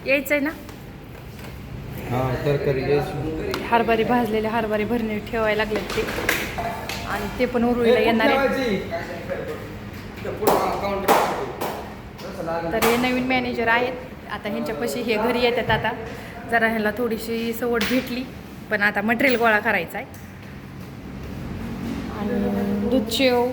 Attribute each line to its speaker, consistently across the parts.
Speaker 1: यायचंय ना.
Speaker 2: हां तरकारी घ्यायची.
Speaker 1: हरभरे भाजलेले हरभरे भरणी ठेवायला लागले ते, आणि ते पण उरुळीला येणार आहे. तर हे नवीन मॅनेजर आहेत. आता ह्यांच्यापाशी हे घरी येतात. आता जरा ह्याला थोडीशी सवड भेटली, पण आता मटेरियल गोळा करायचा आहे. आणि दूध शेव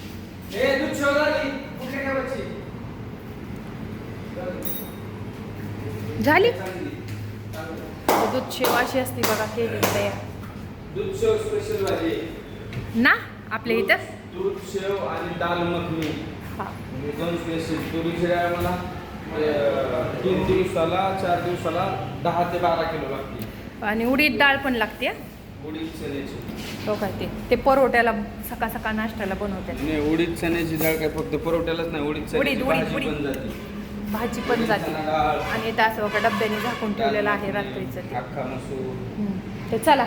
Speaker 1: झाली. दूध शेव अशी असते बघा, केली तयार.
Speaker 2: दूध शेव स्पेशल भाजी
Speaker 1: ना आपल्या इथं
Speaker 2: दूध शेव आणि दाल मखनी.
Speaker 1: हा.
Speaker 2: दोन स्पेशल. तुरीची डाळ मला 3 दिवसाला 4 दिवसाला 10 ते 12 किलो लागते.
Speaker 1: आणि उडीद डाळ पण लागते.
Speaker 2: उडीद चण्याची
Speaker 1: हो काय ते परोठ्याला सकाळ सकाळ नाश्त्याला बनवतात.
Speaker 2: नाही, उडीद चण्याची डाळ काय फक्त परोठ्यालाच नाही, उडीद चण्याची भाजी
Speaker 1: उडीद.
Speaker 2: पण जाते.
Speaker 1: भाजी पण जाते. आणि इथं असं बघा डब्याने झाकून ठेवलेलं आहे रात्रीचं ते.
Speaker 2: अख्खा मसूर.
Speaker 1: ते चला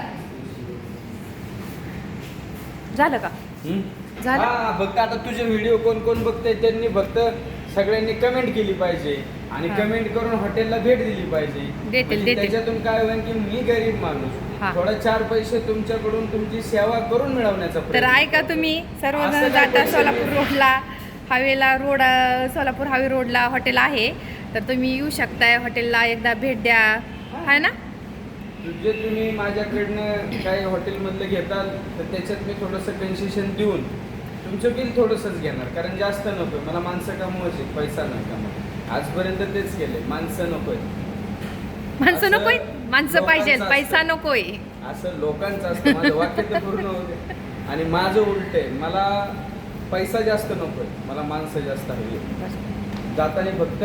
Speaker 1: झालं का? झालं.
Speaker 2: हा, फक्त आता तुझे व्हिडिओ कोण कोण बघताय त्यांनी फक्त सगळ्यांनी कमेंट केली पाहिजे आणि
Speaker 1: हा.
Speaker 2: कमेंट करून हॉटेलला भेट दिली पाहिजे. म्हणजे त्याच्यातून काय होईल की मी गरीब माणूस
Speaker 1: हा.
Speaker 2: थोडा 4 पैसे तुमच्याकडून तुमची सेवा करून मिळवण्याचा
Speaker 1: तर
Speaker 2: प्रयत्न
Speaker 1: ऐका
Speaker 2: करतो.
Speaker 1: तुम्ही सर्वजण
Speaker 2: असं काय
Speaker 1: जाता
Speaker 2: करू
Speaker 1: सोलापूर
Speaker 2: शकत
Speaker 1: रोडला हायवेला सोलापूर हायवे रोडला हॉटेल आहे. तर तुम्ही येऊ शकताय हॉटेलला, एकदा भेट द्या. आहे ना.
Speaker 2: जे तुम्ही माझ्याकडनं काही हॉटेलमधलं घेताल तर त्याच्यात मी थोडंसं कन्सेशन देऊन तुमचं बिल थोडंसंच घेणार, कारण जास्त नको. मला माणसं कमवायची, पैसा नाही कमवायचा. आजपर्यंत तेच केले. माणसं नकोय.
Speaker 1: माणसं नकोय, माणसं पाहिजे,
Speaker 2: लोकांचं
Speaker 1: पैसा नकोय.
Speaker 2: असं लोकांचं असतं. माझं वाक्य तर पूर्ण होते. आणि माझं उलट आहे, मला पैसा जास्त नकोय, मला माणसं जास्त हवी. जाताना फक्त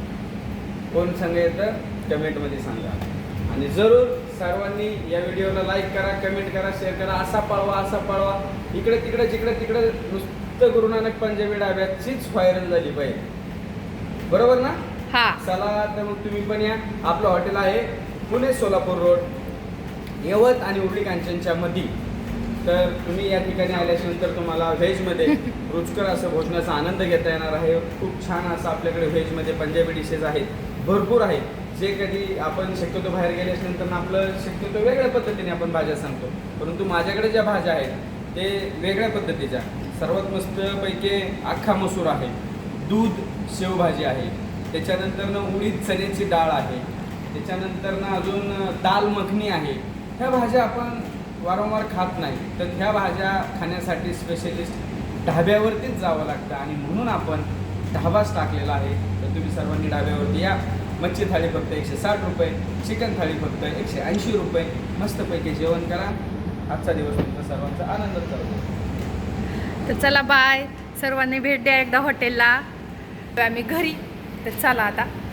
Speaker 2: कोण सांगा येतं कमेंटमध्ये सांगा. आणि जरूर सर्वांनी या व्हिडिओला लाईक करा, कमेंट करा, शेअर करा. असा पळवा इकडे तिकडे जिकडे तिकडे नुसतं गुरु नानक पंजाबी डाब्याचीच व्हायरल झाली पाहिजे. बरोबर ना?
Speaker 1: हा.
Speaker 2: चला तर मग तुम्ही पण या. आपलं हॉटेल आहे पुणे सोलापूर रोड, यवत आणि उर्ली कांचनच्या मध्ये. तर तुम्ही या ठिकाणी आल्याच्यानंतर तुम्हाला व्हेजमध्ये रुचकर असं भोजनाचा आनंद घेता येणार आहे. खूप छान असं आपल्याकडे व्हेजमध्ये पंजाबी डिशेस आहेत, भरपूर आहेत. जे कधी आपण शक्यतो बाहेर गेल्याच्यानंतर आपलं शक्यतो वेगळ्या पद्धतीने आपण भाज्या सांगतो, परंतु माझ्याकडे ज्या भाज्या आहेत ते वेगळ्या पद्धतीच्या. सर्वात मस्तपैकी अख्खा मसूर आहे, दूध शेवभाजी आहे, त्याच्यानंतरनं उडीद चण्याची डाळ आहे, त्याच्यानंतरनं अजून दाल मखनी आहे. ह्या भाज्या आपण वारंवार खात नाही, तर ह्या भाज्या खाण्यासाठी स्पेशलिस्ट ढाब्यावरतीच जावं लागतं आणि म्हणून आपण ढाबाच टाकलेला आहे. तर तुम्ही सर्वांनी ढाब्यावरती या. मच्छी थाळी फक्त 160 रुपये, चिकन थाळी फक्त 180 रुपये. मस्तपैकी जेवण करा. आजचा दिवस तुमचा सर्वांचा आनंदात जाऊ.
Speaker 1: तर चला बाय. सर्वांनी भेट द्या एकदा हॉटेलला. आम्ही घरी. तर चला आता.